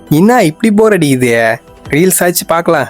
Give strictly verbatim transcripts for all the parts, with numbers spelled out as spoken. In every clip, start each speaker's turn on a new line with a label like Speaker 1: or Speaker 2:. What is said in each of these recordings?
Speaker 1: என்ன இப்படி போர் அடிக்குது? ரீல்ஸ் ஆச்சு பார்க்கலாம்.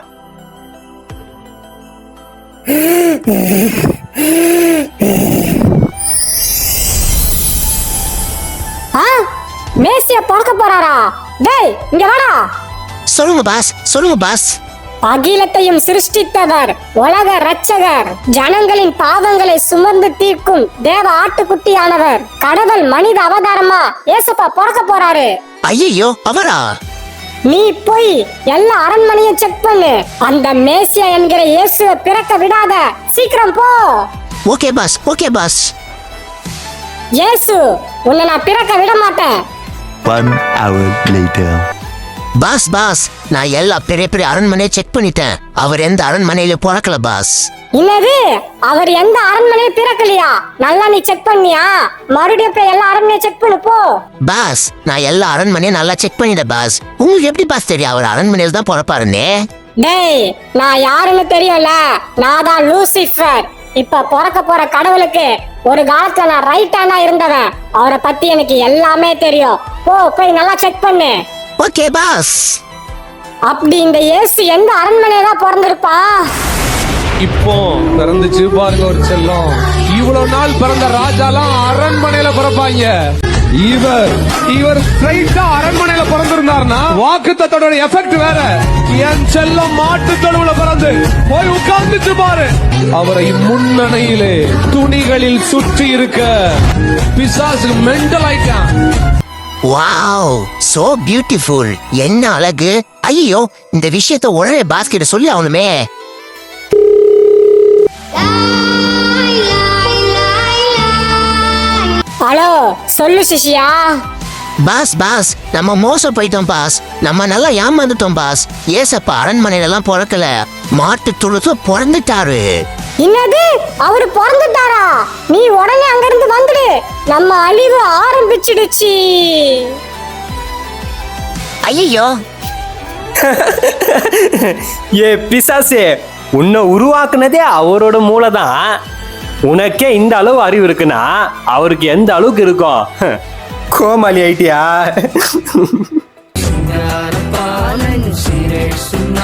Speaker 2: மேசியா பார்க்க போறாரா? டேய் இங்க வாடா.
Speaker 3: சொல்லுங்க பாஸ், சொல்லுங்க பாஸ்.
Speaker 2: அகிலத்தையும் சிருஷ்டித்தவர், உலக ரட்சகர், ஜனங்களின் பாவங்களை சுமந்து தீர்க்கும் தேவ ஆட்டுக்குட்டியானவர், கடவுள் மனித அவதாரமா ஏசப்பா பிறக்க போறாரு.
Speaker 3: ஐயோ, அவரா?
Speaker 2: நீ போய் எல்லா அரண்மனையும் செக் பண்ணு. அந்த மேசியா என்கிற இயேசுவை பிறக்க விடாத. சீக்கிரம் போ.
Speaker 3: Okay boss, okay boss.
Speaker 2: இயேசு உன்னை நான் பிறக்க விட மாட்டேன்.
Speaker 4: One hour later.
Speaker 3: Boss boss, நான் எல்லா பெரிய பெரிய அரண்மனையை செக் பண்ணிட்டேன். அவர் எந்த அரண்மனையில பிறக்கல பாஸ்.
Speaker 2: என்னது? அவர் எந்த அரண்மனையும் பிறக்கலையா? நல்லா நீ செக் பண்ணியா? மறுபடியும் போய் எல்லா அரண்மனையும் செக் பண்ணு போ.
Speaker 3: பாஸ், நான் எல்லா அரண்மனையும் நல்லா செக் பண்ணிட்டேன் பாஸ். உங்களுக்கு எப்படி பாஸ் தெரியும் அவர் அரண்மனையில தான் பிறப்பாருன்னு?
Speaker 2: டேய், நான் யாருன்னு தெரியும்ல. நான் தான் லூசிஃபர். இப்ப பிறக்க போற கடவுளுக்கு ஒரு காலத்துல நான் ரைட் ஹேண்டா இருந்தவன். அவரை பத்தி எனக்கு எல்லாமே தெரியும். போ போய் நல்லா செக் பண்ணு.
Speaker 3: Okay boss.
Speaker 2: அப்படி இந்த இயேசு எந்த அரண்மனையில தான் பிறந்திருப்பா?
Speaker 5: இப்போ பிறந்துச்சு பாருங்க ஒரு செல்லம். இவ்வளவு நாள் பிறந்த ராஜாலாம் அரண்மனையில பிறப்பாங்க. இவர் இவர் ஸ்ட்ரைட்டா அரண்மனையில பிறந்திருந்தாருன்னா வாக்குத்தத்தோட எஃபெக்ட் வேற. என் செல்லம் மாட்டு தொழுவுல பிறந்து போய் உட்கார்ந்துட்டு பாரு. அவரை முன்னணையிலே துணிகளில் சுற்றி இருக்க பிசாசு மெண்டல் ஆயிட்டான்.
Speaker 3: Wow, so beautiful. என்ன அழகு. ஐயோ, இந்த விஷயத்தை உடனே பாஸ் கிட்ட சொல்லி ஆகணுமே.
Speaker 2: ஹலோ, சொல்லு சிஷியா.
Speaker 3: பாஸ் பாஸ், நம்ம மோசம் போயிட்டோம் பாஸ். நம்ம நல்லா ஏமாந்துட்டோம் பாஸ். ஏசப்பா அரண்மனையில எல்லாம் பிறக்கல, மாட்டு தொழுத்து பிறந்துட்டாரு.
Speaker 2: என்னது? அவரு பிறந்துட்டாரா? நீ உடனே அங்க இருந்து வந்துடு. நம்ம அழிவு ஆரம்பிச்சிடுச்சு.
Speaker 3: ஐயோ,
Speaker 1: ஏ பிசாசே, உன்னை உருவாக்குனதே அவரோட மூளைதான். உனக்கே இந்த அளவு அறிவு இருக்குன்னா அவருக்கு எந்த அளவுக்கு இருக்கும்? கோமாளி ஆயிட்டியா?